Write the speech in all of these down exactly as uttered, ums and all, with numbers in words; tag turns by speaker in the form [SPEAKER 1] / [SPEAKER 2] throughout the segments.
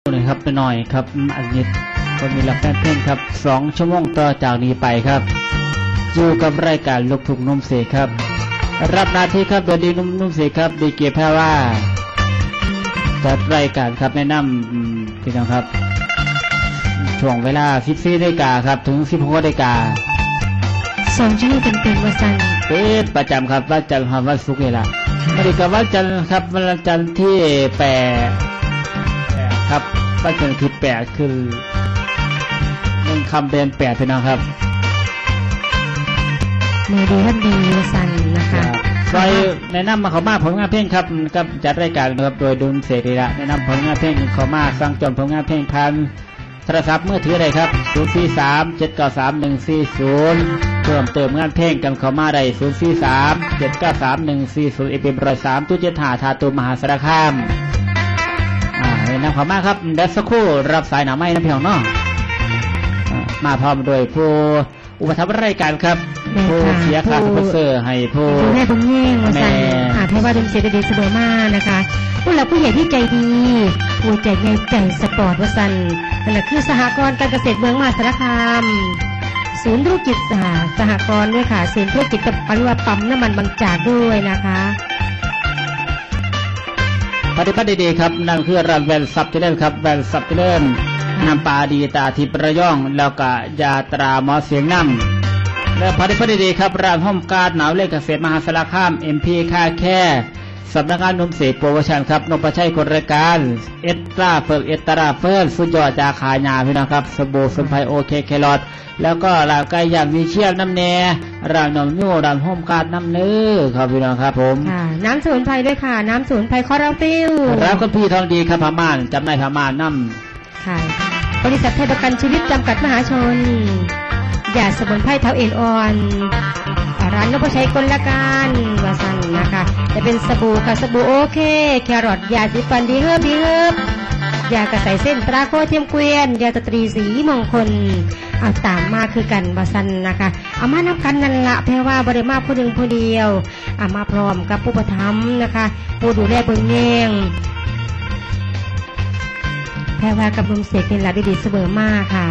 [SPEAKER 1] นะครับไปหน่อยครับอันนี้คนมีรับแฟนเพลงครับสองชั่วโมงต่อจากนี้ไปครับอยู่กับรายการลูกทุ่งนุ่มเสกครับรับหน้าที่ครับโดยดีนุ่มนุ่มเสกครับดีเกียร์แพรว่าจัดรายการครับแนะนำพี่น้องครับช่วงเวลาสิบสี่นาฬิกาครับถึงสิบหกนาฬิกา
[SPEAKER 2] สองชั่วโมงเต็มๆวันจันทร์
[SPEAKER 1] เป็นประจำครับวันจันทร์ครับวันศุกร์นี่แหละวันนี้กับวันจันทร์ครับวันจันทร์ที่แปดครับวันจันทร์ที่แปดคือหนึ่งคำเดือนแปดพี่น้องครับ
[SPEAKER 2] มือดีท่านดีวันจันทร์นะคะ
[SPEAKER 1] โดยแนะนำมาเขามาผลงานเพลงครับกับจัดรายการครับโดยดุลเสรีละแนะนำผลงานเพลงเขามาสร้างจนผลงานเพลงพันโทรศัพท์มือถือใดครับศูนย์ สี่ สาม เจ็ด เก้า สาม หนึ่ง สี่ ศูนย์เพิ่มเติมงานเพลงกันเขามาได้ศูนย์ สี่ สาม เจ็ด เก้า สาม หนึ่ง สี่ ศูนย์เอฟเอ็มร้อยสามตู้เจ็ดหาทาตูมหาสารคามอ่าแนะนำเขามาครับเดสคู่รับสายหนาไม้น้ำเพียงเนาะมาพร้อมโดยผู้อุปถัมภ์รายการครับผู้เสียค่าสปอนเซอร์ให้ผู้
[SPEAKER 2] แม่บุญแย่งมาสั่งหาเทว่าดุลเสรีดีเสมอมานะคะผู้หลักผู้ใหญ่ที่ใจดีผู้ใจใหญ่ใจสปอร์ตวสันนั่นแหละคือสหกรณ์การเกษตรเมืองมหาสารคามศูนย์ธุรกิจสหกรณ์ด้วยค่ะศูนย์ธุรกิจกับปริวัติปั๊มน้ำมันบางจากด้วยนะคะ
[SPEAKER 1] ปฏิบัติดีครับนั่นคือร้านแวนซับเจริญครับแวนซับเจริญน้ำปลาดีตาทิพย์ระย่องแล้วก็ยาตราหมอเสียงน้ำและปฏิบัติดีครับร้านห้อมการหนาวเล็กเกษตรมหาสารคามเอ็มพีค่าแค่สำนักงานนมเสกโปรโมชั่นครับนมประชัยคนรายการเอสตราเฟิร์เอสตราเฟิร์สุดยอดจากขายาพี่น้องครับสบู่สมุนไพรโอเคแครอทแล้วก็ร้านไก่ย่างมีเชี่ยวน้ำแน่ร้านนมยูร้านห้อมการน้ำเนื้อครับพี่น้องครับผม
[SPEAKER 2] น้ำสมุนไพรด้วยค่ะน้ำสมุนไพรคอราฟิล
[SPEAKER 1] แล้วก็พี่ทองดีครับพม่านจำนายพม่านน้ำ
[SPEAKER 2] ค่ะบริษัทไทยประกันชีวิตจำกัดมหาชนยาสมุนไพรเท้าเอ็นอ่อนร้านนพชัยกลการวาสันนะคะจะเป็นสบู่ค่ะสบู่โอเคแครอทยาสีฟันดีเฮิบดีเฮิบยากระใสเส้นตราโคเทียมเกวียนยาตตรีสีมงคลเอาตามมาคือกันวาสันนะคะเอามานับกันนั่นละแปลว่าบริมาผู้หนึ่งผู้เดียวเอามาพร้อมกับผู้ประทับนะคะผู้ดูแลเบื้องแง่งแปลว่ากับลุงเสกเป็นหลักดีๆเสมอมากค่ะ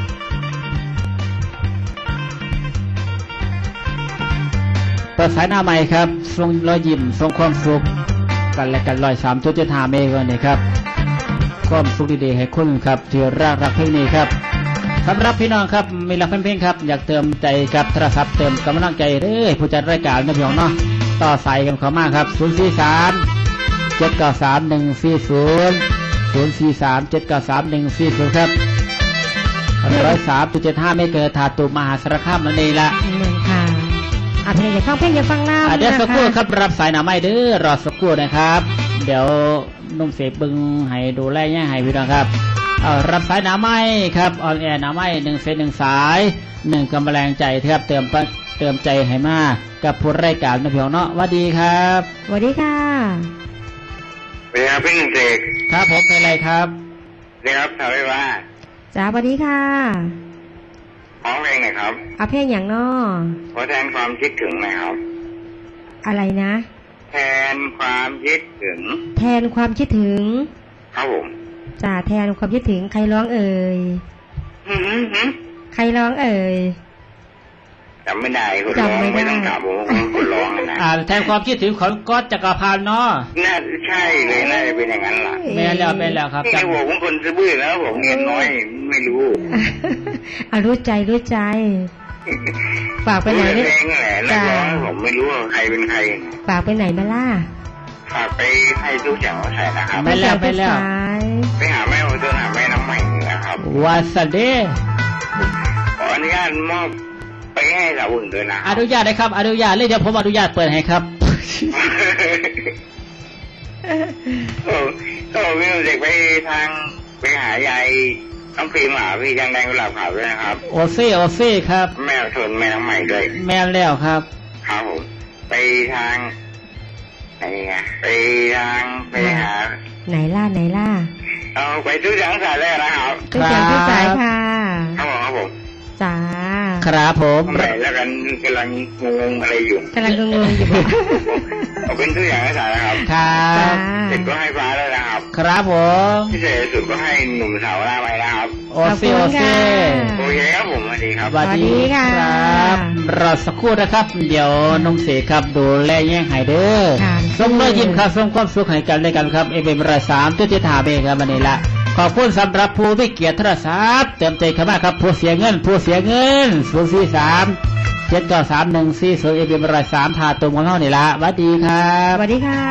[SPEAKER 1] เปิดสายหน้าใหม่ครับทรงรอยยิ้มทรงความสุขกันและกันลอยสามจุดเจ็ดห้าเมกะนี่ครับความสุขดีๆให้คุณครับที่รักรักเพลงนี้ครับสำหรับพี่น้องครับมีรักเพลงครับอยากเติมใจกับโทรศัพท์เติมกำลังใจเด้อผู้จัดรายการนะพี่น้องเนาะต่อสายกันเข้ามาครับศูนย์ สี่ สาม เจ็ด เก้า สาม หนึ่ง สี่ ศูนย์ ศูนย์ สี่ สาม เจ็ด เก้า สาม หนึ่ง สี่ ศูนย์ครับร้อยสามจุดเจ็ดห้าเมกะทาตูมหาสารคามนั่นเองละ
[SPEAKER 2] อ่ะเพลงอย่าฟังเพลงอย่าฟังน้ำนะคะ
[SPEAKER 1] เดี๋ยวสักครู่ครับรับสายหนาไม่เด้อรอสักครู่นะครับเดี๋ยวนุ่มเสกบึงให้ดูแลแย่ให้พี่น้องครับเอารับสายหนาไม่ครับออนแอร์หนาไม่หนึ่งเซนหนึ่งสายหนึ่งกำลังใจครับเติมเติมใจให้มากับผู้รายการนะพี่น้องเนาะสวัสดีครับ
[SPEAKER 2] สวัสดีค่ะ
[SPEAKER 3] สวัสดีครับพี่หนึ่งเสก
[SPEAKER 1] ครับผมเป็นไรครับ
[SPEAKER 3] นี่ครับทำได้ว่า
[SPEAKER 2] จ้าสวัสดีค่ะ
[SPEAKER 3] ร้องเพลงหน่อยครับ
[SPEAKER 2] เอาเพลงอย่างนอ
[SPEAKER 3] ขอแทนความคิดถึงหน่อยครับ
[SPEAKER 2] อะไรนะ
[SPEAKER 3] แทนความคิดถึง
[SPEAKER 2] แทนความคิดถึง
[SPEAKER 3] ครับผม
[SPEAKER 2] จ้าแทนความคิดถึงใครร้องเอ่ยใครร้องเอ่ย
[SPEAKER 3] จำไม่ได้คนร้องไม่ต้องถามผมคนร้องนะ
[SPEAKER 1] อ่าแทนความคิดถึงของก๊อตจักรพันธ์เนาะ
[SPEAKER 3] น่าใช่เลยน่าจะเป็นอย่างนั้นล่ะ
[SPEAKER 1] แม่แล้วแม่แล้วครับ
[SPEAKER 3] จำผมคนซื่อแล้วผมเงินน้อยไม่รู้
[SPEAKER 2] อ่ะรู้ใจรู้ใจฝากไปไหน
[SPEAKER 3] เนี่ยจ้าผมไม่รู้ว่าใครเป็นใคร
[SPEAKER 2] ฝากไปไหนมาล่ะ
[SPEAKER 3] ฝากไปให้ทุกอย่างเขาใส่นะครับ
[SPEAKER 1] ไปแล้วไปแล้ว
[SPEAKER 3] ไปหาแม่โอเจนหาแม่น้ำใหม่นะครับ
[SPEAKER 1] วาสเด
[SPEAKER 3] ขออนุญาตมอบไปให้สาวอื่นด้วยนะ
[SPEAKER 1] อนุญาตเลยครับอนุญาตเลยเดี๋ยวผมอนุญาตเปิดให้ครับ
[SPEAKER 3] โอ้โอ้พี่เด็กไปทางไปหายายน้องฟิล์มหาพี่ยังแดงกุหลาบขาวด้วยนะครับ
[SPEAKER 1] โอเซ่โอเซ่ครับ
[SPEAKER 3] แม่ชนแม่น้ำใหม่ด้วย
[SPEAKER 1] แม่แล้วครับ
[SPEAKER 3] ครับผมไปทางไหนไงไปทางไปหา
[SPEAKER 2] ไหนล่ะไหนล่ะ
[SPEAKER 3] เอาไปทุกอย่างสายแล้วนะครับ
[SPEAKER 2] ทุกอย่างทุกสายค่ะ
[SPEAKER 3] ครับผมครับผม
[SPEAKER 2] จ้า
[SPEAKER 1] ครับผม
[SPEAKER 3] แล้วกันกำลังงงอะไรอยู่
[SPEAKER 2] กำลังงงอยู่
[SPEAKER 3] เอาเป็นตัวอย่างให้สารนะครับ
[SPEAKER 1] ครับ
[SPEAKER 3] เด็กก็ให้ฟ้าแล้วนะครับ
[SPEAKER 1] ครับผม
[SPEAKER 3] พิเศษสุดก็ให้หนุ่มสาวหน้าไว้นะครับ
[SPEAKER 1] โอเซโอเซ
[SPEAKER 3] โอเคครับผมสวัสดีครับ
[SPEAKER 1] สวัสดีครับรอสักครู่นะครับ เดี๋ยวน้องเสกครับดูแลแย่งหายเด้อ
[SPEAKER 2] ค่ะ
[SPEAKER 1] ส่งรอยยิ้มครับส่งความสุขให้กันด้วยกันครับเอเบมรายสามตัวที่ถามเองครับวันนี้ละขอบคุณสำหรับผู้ที่เกียรติโทรศัพท์เติมใจเข้ามาครับผู้เสียเงินผู้เสียเงินศูนย์สี่สามเจ็ดเก้าสามหนึ่งสี่ศูนย์เอเบมรายสามถาตุ่มของเรานี่ละสวัสดีครั
[SPEAKER 2] ส
[SPEAKER 1] บ
[SPEAKER 2] วัสดีค่ะ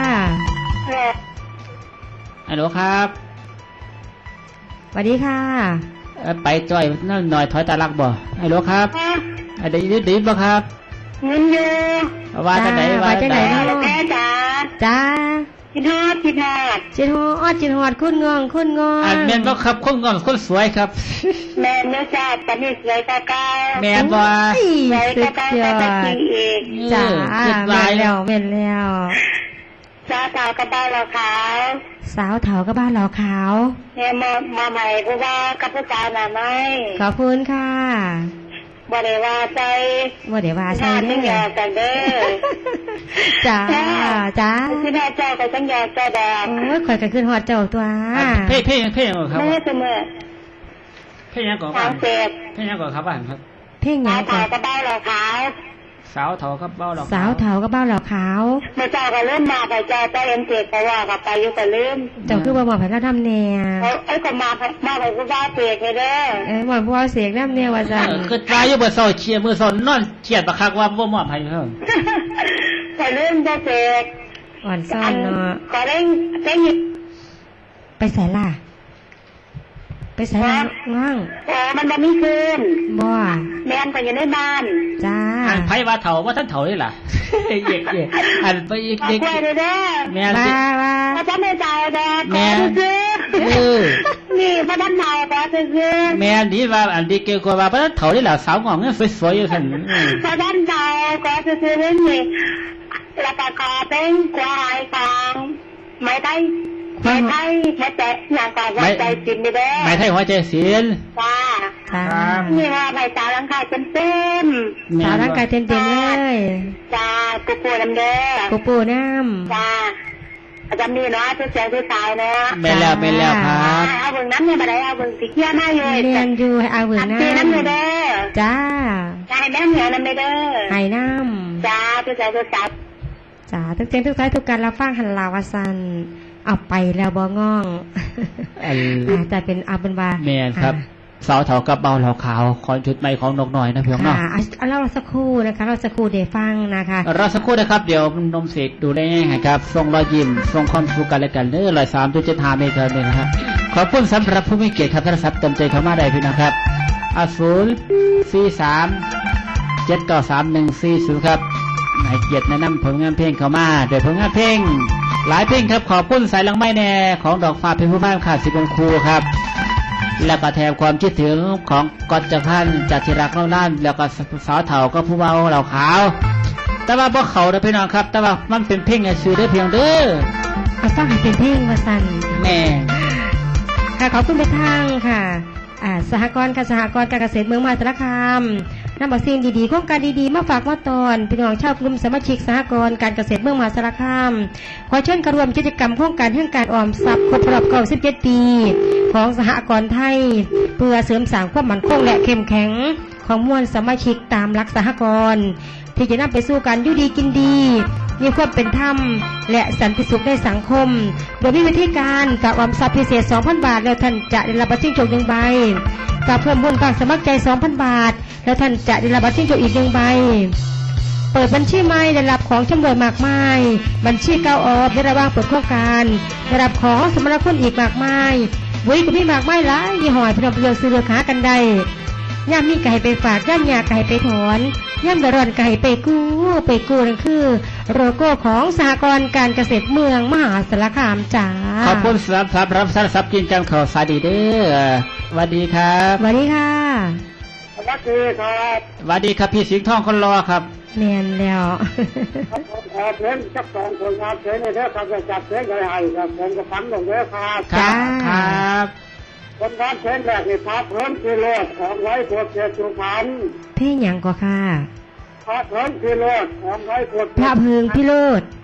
[SPEAKER 1] ฮัลโหลครับ
[SPEAKER 2] สวัสดีค่ะ
[SPEAKER 1] เอ่อไปจ่อยนั่นหน่อยถอยตาลักบ่ฮัลโหลครับอ่ะได้ยินได้ยินบ่ครับ
[SPEAKER 3] เงินอยู่
[SPEAKER 1] ว่าจะไหนว่าจะไหน
[SPEAKER 3] แม่จ๋า
[SPEAKER 2] จ้า
[SPEAKER 3] คิดฮอดคิดฮอด
[SPEAKER 2] จิตฮอดจิตฮอดคุณงองคุณงอง
[SPEAKER 1] อ่านแม่นบ่ครับคนงอนคนสวยครับ
[SPEAKER 3] แม่เนื้อจ้าตอนนี้สวยกว่าเก่า
[SPEAKER 1] แม่นบ่
[SPEAKER 2] โอ้ย
[SPEAKER 3] สวย
[SPEAKER 2] สุ
[SPEAKER 3] กว่า
[SPEAKER 2] ด
[SPEAKER 3] เก่าย
[SPEAKER 2] อ
[SPEAKER 3] แต่
[SPEAKER 2] ด
[SPEAKER 3] จริงอีก
[SPEAKER 2] จ้า
[SPEAKER 1] เจ็ด
[SPEAKER 2] แม่
[SPEAKER 1] ลาย
[SPEAKER 2] นแล้วแม่นแล้ว
[SPEAKER 3] จ้าสาวกับบ้านเราขาว
[SPEAKER 2] สาวเถาก็บ้านเราขาว
[SPEAKER 3] เนี่ยมามาใหม่เพราะว่ากับผู้ชายน่ะไม่
[SPEAKER 2] ขอบคุณค่ะ
[SPEAKER 3] บ่ได้ว่าใจ
[SPEAKER 2] ว่าเดี๋ยวว่า
[SPEAKER 3] ห
[SPEAKER 2] ใช่
[SPEAKER 3] น้า
[SPEAKER 2] เด้
[SPEAKER 3] จังหย
[SPEAKER 2] อ
[SPEAKER 3] อกกันเด้อ
[SPEAKER 2] จ้าจ้า
[SPEAKER 3] ที่หน้าเจ้าก็จังหยอกเจ้าดอก
[SPEAKER 2] โอ้ยข่อยก็ขึ้นฮอดเจ้าตัว
[SPEAKER 1] อ่ะเพ่เพ่เพ่ยังก่อนครับ
[SPEAKER 3] แม่เสมอ
[SPEAKER 1] เพ่ยังก่อนค
[SPEAKER 3] ทา
[SPEAKER 1] รับ
[SPEAKER 3] งเสพ
[SPEAKER 1] เพ่ยังก่อนครับบ้านครับ
[SPEAKER 2] เพ่งห
[SPEAKER 3] สา
[SPEAKER 2] ยั
[SPEAKER 3] ว
[SPEAKER 2] งก่อ
[SPEAKER 3] ขาน วกับบ้านเราขาว
[SPEAKER 1] สาวเถาครับเบ้าหรอก
[SPEAKER 2] สาวเถาก็บ้านเราขาว
[SPEAKER 3] เมื่อเจ้าก็เริ่มมาไปเจ้าเจ้าเอ็มเสกเพราะว่ากับไปอยู่ก็ลืม
[SPEAKER 2] เจ้าคือบ่บอกให้เราทำแนว
[SPEAKER 3] เอาไอ้ก็มามาไปผู้ว่าเสกเลยเด้อ
[SPEAKER 2] เอ้ยบอกว่าเสียงน้ำแนวว่า
[SPEAKER 1] เอ
[SPEAKER 2] ซั่น
[SPEAKER 1] อคือตายอยู่เบอร์เศร้าเชียร์มือสอนนอนเชียดประคักว่าบ่มอบให้เพิ่ม
[SPEAKER 3] ก็ลืมเจ้าเสก
[SPEAKER 2] อ่อนซ่อนเนาะ
[SPEAKER 3] ก็เร่งเร่ง
[SPEAKER 2] ไปใส่ล่ะ ไปใส่ล่ะง่าง
[SPEAKER 3] โอ้มันบ่มีคืน
[SPEAKER 2] บ่
[SPEAKER 3] แม่นก็อยู่ในบ้าน
[SPEAKER 2] จ้า
[SPEAKER 1] อันไผว่าเถาว่าท่านเถาได้ล่ะ เย็กเย็กอันไปอีก
[SPEAKER 3] เอา
[SPEAKER 1] เด็ก
[SPEAKER 3] กล้วยเลยเด้อ
[SPEAKER 1] แม่น
[SPEAKER 2] ว่า
[SPEAKER 1] สิ
[SPEAKER 2] ว่า
[SPEAKER 3] พระเจ้าไม่จ่ายดอก
[SPEAKER 1] แม่
[SPEAKER 3] ขอซื้อ
[SPEAKER 1] เออ
[SPEAKER 3] นี่พระท่านเมาขอซื้อ
[SPEAKER 1] แม่นดีว่าอันดีเกี่ยวกับว่าบ่ท่านเถาได้ล่ะสาวงอกเงี้ยสวยๆอยู่ท่านอืม
[SPEAKER 3] พระท่านเมาขอซื้อเรื่องนี้แล้วก็ขอเป็นควายฟางไม่ได้ไม่ได้ไม่แต่อย่างก่อนว่าใจจริงเด้อ
[SPEAKER 1] หมายไทยหัวใจศิลป์
[SPEAKER 3] จ้า
[SPEAKER 2] จ้า
[SPEAKER 3] นี่ว่าใบตาลังคาเต็มเต็ม
[SPEAKER 2] สาวร่างกายเต็มเต็มๆเลย
[SPEAKER 3] จ้ากูปูน้ำเด้อ
[SPEAKER 2] ปูปูน้
[SPEAKER 3] จ้าอาจารย์มีเนาะทุกเสียงทุกสายเนาะ
[SPEAKER 1] แม่นแล้วแม่นแล้วครับ
[SPEAKER 3] เอาเบิ่งน้ำเนี่ยมาได้เอาเบิ่งสีเขียวหน้าอยู่
[SPEAKER 2] ำเรียนอยู่ให้เอาเวือ
[SPEAKER 3] อัด
[SPEAKER 2] น้
[SPEAKER 3] ตีน้ำอยู่เด้อ
[SPEAKER 2] ำจ้า
[SPEAKER 3] จ้าให้แม่เหนียวน้ำเด้อ
[SPEAKER 2] ไห้น้
[SPEAKER 3] จ้าทุกเสียงทุกสาย
[SPEAKER 2] ำจ้าทุกเจนทุกสายทุกการรับฟังหันลาวาซันเอาไปแล้วบ่ง่อง
[SPEAKER 1] อัน
[SPEAKER 2] อาจจะเป็นเอาเป็นว่า
[SPEAKER 1] แม่นครับสาวเถากับเบาเหล่าขาวขอชุดใหม่ของนกหน่อยนะเพียง
[SPEAKER 2] ค่ะ
[SPEAKER 1] เนาะ
[SPEAKER 2] เอาเราสักครู่นะคะ เราสักครู่เดี๋ยวฟังนะคะ
[SPEAKER 1] รอสักครู่นะครับเดี๋ยวนมเสกดูได้ง่ายๆครับส่งรอยยิ้มส่งความสุขกันและกันเด้อรอยสามจุดเจ็ดห้าเมตรเลยนะครับขอบคุณสำหรับผู้มีเกียรติครับโทรศัพท์เต็มใจเข้ามาได้พี่นะครับอาศูนย์สี่สามเจ็ดเก้าสามหนึ่งสี่ศูนย์ครับให้เกียรติแนะนำผลงานเพลงเข้ามาโดยผลงานเพลงหลายเพลงครับขอบคุณสายลังไม้แน่ของดอกฟ้าเพลงผู้บ้านขาดสิบองครูครับแล้วก็แทนความคิดถึงของกอดจักรพันธ์จากที่รักเล่าล้านแล้วก็สาวเถาก็ผู้เบาเหล่าขาวแต่ว่าพวกเขาเด้อพี่น้องครับแต่ว่ามันเป็นเพลงในชื่อได้เพียงเด้อ
[SPEAKER 2] เอาฟังให้เป็นเพลงมาสั่น
[SPEAKER 1] แม่
[SPEAKER 2] ค่ะขอบคุณไปทางค่ะอ่าสหกรณ์ค่ะสหกรณ์การเกษตรเมืองมหาสารคามนำเอาสิ่งดีๆโครงการดีๆมาฝากมาตอนพี่น้องชาวกลุ่มสมาชิกสหกรณ์การเกษตรเมืองมหาสารคามขอเชิญกระรวมกิจกรรมโครงการเรื่องการออมทรัพย์ครบรอบเก้าสิบเจ็ดปีของสหกรณ์ไทยเพื่อเสริมสร้างความมั่นคงและเข้มแข็งของมวลสมาชิกตามหลักสหกรณ์ที่จะนำไปสู่การอยู่ดีกินดีมีความเป็นธรรมและสันติสุขในสังคมโดยมีวิธีการฝากออมทรัพย์พิเศษ สองพัน บาทแล้วท่านจะได้รับบัตรจิ้งจกหนึ่งใบฝากเพิ่มบุญฝากสมัครใจ สองพัน บาทแล้วท่านจะได้รับบัตรจิ้งจกอีกหนึ่งใบเปิดบัญชีใหม่ได้รับของจำนวนมากมายบัญชีเก่าออกได้ระว่างเปิดโครงการได้รับของสมรคุณอีกมากมายวุ้ยก็มีมากมายหลายยี่ห้อพี่น้องเลือกซื้อเลือกหากันได้ย่ามมีไก่ไปฝากย่ามยาไก่ไปถอนย่ามเดือดร้อนไก่ไปกู้ไปกู้นั่นคือโลโก้ของสหกรณ์การเกษตรเมืองมหาสารคามจ้า
[SPEAKER 1] ขอบคุณสำหรับสำหรับสารสับกินจังข่าวสาดีเด้อสวัสดีครับ
[SPEAKER 2] สวัสดีค่ะ
[SPEAKER 3] สวัสดีครับ
[SPEAKER 1] สวัสดีครับพี่สิงห์ทองคนรอครับ
[SPEAKER 2] แมนแล้ว
[SPEAKER 3] ผมขอเพลงสักสองผลงานเพลงในเด้อครับจะจัดเพลงอะไรให้ครับผมก็ฟังลงเด้อครับ
[SPEAKER 1] ครับ
[SPEAKER 2] จ้า
[SPEAKER 1] ครับ
[SPEAKER 3] ผลงานเพลงแรกนี่พาเพลินคือโลดของไว้พวกเจ้าสุพรรณ
[SPEAKER 2] เพลงหยังก็ค่ะ
[SPEAKER 3] พาเพลินคือโลดของไว้พวก
[SPEAKER 2] พระเพิงพิโรธ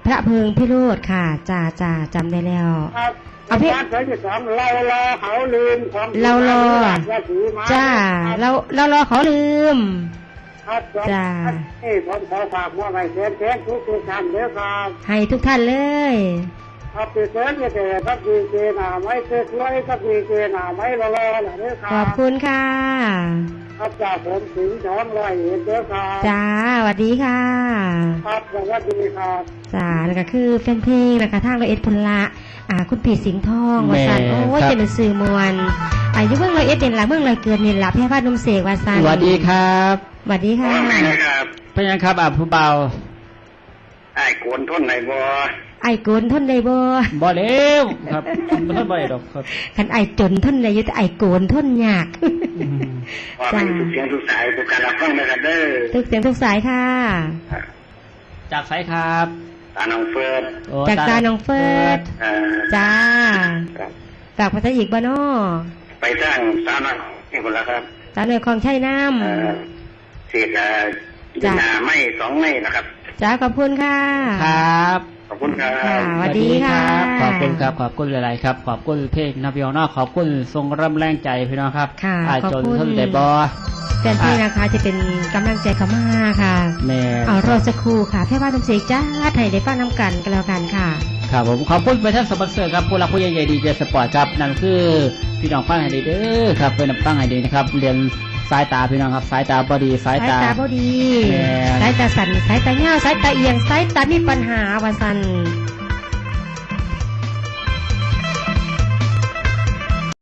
[SPEAKER 2] พระเพิงพิโรธค่ะจ่าจ่าจำได้แล้ว
[SPEAKER 3] ครับ
[SPEAKER 2] เอาพี่
[SPEAKER 3] บ้านเธอจะสองเรารอเขาลืมของ
[SPEAKER 2] เรารอ
[SPEAKER 3] ว่าถือมา
[SPEAKER 2] จ้าเราเรารอเขาลืม
[SPEAKER 3] ครับ
[SPEAKER 2] จ้า
[SPEAKER 3] นี่ผมขอฝากว่าไว้เชิญเชิญทุกทุกท่านเด้อครับ
[SPEAKER 2] ให้ทุกท่านเลย
[SPEAKER 3] ครับเชิญจะเจอครับดีเจหนาไม้เชิญไว้ครับดีเจหนาไม้รอรอเด้อค
[SPEAKER 2] ข
[SPEAKER 3] รั
[SPEAKER 2] อ
[SPEAKER 3] บบ
[SPEAKER 2] คุณค่ะ
[SPEAKER 3] ครับจากผมถึงช้อนร้อยเอ็ดเด้อครับ
[SPEAKER 2] จ้าสวัสดีค่ะ
[SPEAKER 3] ครับสวัสดีครับ
[SPEAKER 2] จ้าแล้วก็คือแฟนเพลงนะคะทางเราเอ็ดพลละอ่าคุณปีสิงห์ทองวาสัน
[SPEAKER 1] แม่
[SPEAKER 2] โอ้ย
[SPEAKER 1] ครับ
[SPEAKER 2] จะเป็นสื่อมวลอายุเมืองเราเอ็ดเด่นละเมืองเราเกิดเด่นละแพร่พาดนมเสกวาสัน
[SPEAKER 1] สวัสดีครับ
[SPEAKER 2] สวัสดีค่ะ
[SPEAKER 3] ครับ
[SPEAKER 1] เป็นยังครับอ่ะผู้เบา
[SPEAKER 3] ไอ้โกนทนไหนบ่
[SPEAKER 2] ไอ้โกนทนได้บ่
[SPEAKER 1] บ่เร็วครับบ่ทันบ่ได้ดอกครับ
[SPEAKER 2] คันไอ้จนทนได้อยู่แต่ไอ้โกนทนยาก
[SPEAKER 1] อืม
[SPEAKER 3] ว่าเป็นทุกเสียงทุกสายทุกการรับฟังนะครับเด้อ
[SPEAKER 2] ทุกเสียงทุกสายค่ะ
[SPEAKER 1] จากไสครับ
[SPEAKER 3] ตาน้องเฟิร์น
[SPEAKER 1] โอ้
[SPEAKER 2] จากจาน้องเฟิร์ส
[SPEAKER 3] เอ่อ
[SPEAKER 2] จ้า
[SPEAKER 3] ครับ
[SPEAKER 2] ฝากภาษาอีกบ่น้อ
[SPEAKER 3] ไปสร้างสาวน้อยนี่คนละครับ
[SPEAKER 2] สาวเหนือคลองชัยน้
[SPEAKER 3] เอ่อเศษเอ่อ
[SPEAKER 2] จ้ะ
[SPEAKER 3] นาไม่สองไม่นะครับ
[SPEAKER 2] ำจ้าขอบคุณค่ะ
[SPEAKER 1] ครับ
[SPEAKER 3] ขอบคุณครับ
[SPEAKER 2] ค่ะ สวัสดีค่ะ
[SPEAKER 1] ขอบคุณครับขอบคุณหลายๆครับขอบคุณเพลงนะพี่น้องเนาะขอบคุณทรงร่ำแรงใจพี่น้องครับ
[SPEAKER 2] ค่ะ
[SPEAKER 1] อา
[SPEAKER 2] ขอบ
[SPEAKER 1] จน
[SPEAKER 2] คุณ
[SPEAKER 1] ทนได้บ่
[SPEAKER 2] แฟนเพลงนะคะจะเป็นกำลังใจเขามาค่ะ
[SPEAKER 1] แม่
[SPEAKER 2] เอารอสักครู่ค่ะแพร่บ้านน้ำเสกจ้าไทยได้ฟังน้ำกันกันแล้วกันค่ะ
[SPEAKER 1] ครับผมขอบคุณไปท่านสปอนเซอร์ครับผู้รักผู้ใหญ่ดีเจสปอร์ตครับนั่นคือพี่น้องฟังให้ดีเด้อครับเป็นฟังให้ดีนะครับเรียนสายตาพี่น้องครับสายตาบอดีสาย
[SPEAKER 2] สาย
[SPEAKER 1] ตา
[SPEAKER 2] ตาบ่ดี
[SPEAKER 1] แม่
[SPEAKER 2] สายตาสั่นสายตาเหี่ยวสายตาเอียงสายตามีปัญหาวาสัน